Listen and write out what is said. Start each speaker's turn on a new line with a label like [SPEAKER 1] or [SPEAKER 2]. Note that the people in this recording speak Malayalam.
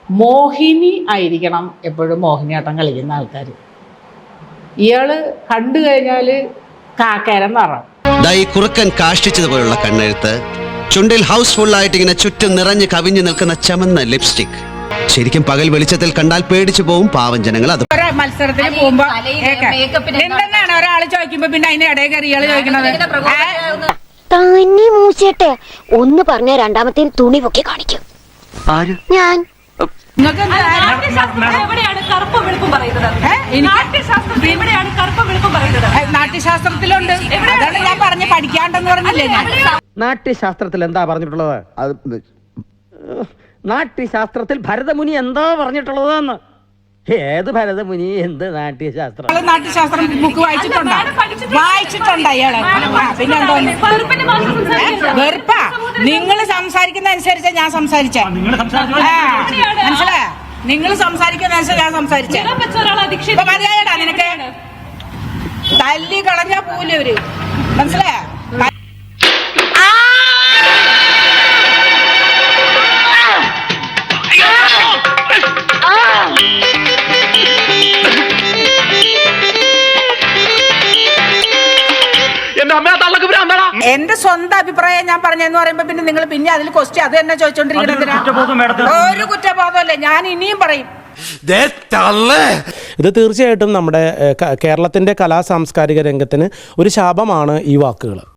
[SPEAKER 1] മോഹിനി ആയിരിക്കണം എപ്പോഴും മോഹിനിയാട്ടം കളിക്കുന്ന ആൾക്കാർ. ഇയാള് കണ്ടു കഴിഞ്ഞാൽ കാക്കേരം നിറം.
[SPEAKER 2] ഈ കുറുക്കൻ കാഷ്ടിച്ചതുപോലുള്ള കണ്ണെഴുത്ത്, ചുണ്ടിൽ ഹൗസ്ഫുൾ ആയിട്ട് ഇങ്ങനെ ചുറ്റും നിറഞ്ഞ് കവിഞ്ഞു നിൽക്കുന്ന ചമന്ന ലിപ്സ്റ്റിക്. ശരിക്കും പകൽ വെളിച്ചത്തിൽ കണ്ടാൽ പേടിച്ചു പോവും പാവം ജനങ്ങൾ. അത്
[SPEAKER 3] മത്സരത്തിന് പോകുമ്പോ എന്തെന്നാണ് ഒരാൾ ചോദിക്കുമ്പോ പിന്നെ അതിന് ഇടയിൽ കയറി ഇയാള് ചോദിക്കണത്.
[SPEAKER 4] തന്നെ മൂച്ചേട്ടെ ഒന്ന് പറഞ്ഞ രണ്ടാമത്തെ തുണി പൊക്കി കാണിക്കും. ഞാൻ
[SPEAKER 3] നാട്യശാസ്ത്രത്തിലുണ്ട്. അതാണ് ഞാൻ പറഞ്ഞ് പഠിക്കാണ്ടെന്ന് പറഞ്ഞില്ലേ ഞാൻ.
[SPEAKER 5] നാട്യശാസ്ത്രത്തിൽ എന്താ പറഞ്ഞിട്ടുള്ളത്? നാട്യശാസ്ത്രത്തിൽ ഭരതമുനി എന്താ പറഞ്ഞിട്ടുള്ളതെന്ന്. ഏത് ഭരതമുനി, എന്ത് നാട്യശാസ്ത്രം?
[SPEAKER 3] നാട്യശാസ്ത്രം ബുക്ക് വായിച്ചിട്ടുണ്ട് അയാള്. പിന്നെന്തോ വെറുപ്പാ. നിങ്ങൾ സംസാരിക്കുന്ന അനുസരിച്ചാ ഞാൻ സംസാരിച്ചേ. മനസ്സിലായ? നിങ്ങൾ സംസാരിക്കുന്ന അനുസരിച്ച് ഞാൻ സംസാരിച്ചേ. മതിയായടാ നിനക്ക്. തല്ലി കളഞ്ഞാ പോലവര്. മനസ്സിലായ? എന്റെ സ്വന്തം അഭിപ്രായം ഞാൻ പറഞ്ഞെന്ന് പറയുമ്പോ പിന്നെ നിങ്ങൾ പിന്നെ അതിൽ ക്വസ്റ്റ്യൻ അത് തന്നെ ചോദിച്ചോണ്ടിരിക്കുന്നത്. ഒരു കുറ്റബോധമല്ലേ. ഞാൻ ഇനിയും പറയും.
[SPEAKER 6] ഇത് തീർച്ചയായിട്ടും നമ്മുടെ കേരളത്തിന്റെ കലാ സാംസ്കാരിക രംഗത്തിന് ഒരു ശാപമാണ് ഈ വാക്കുകൾ.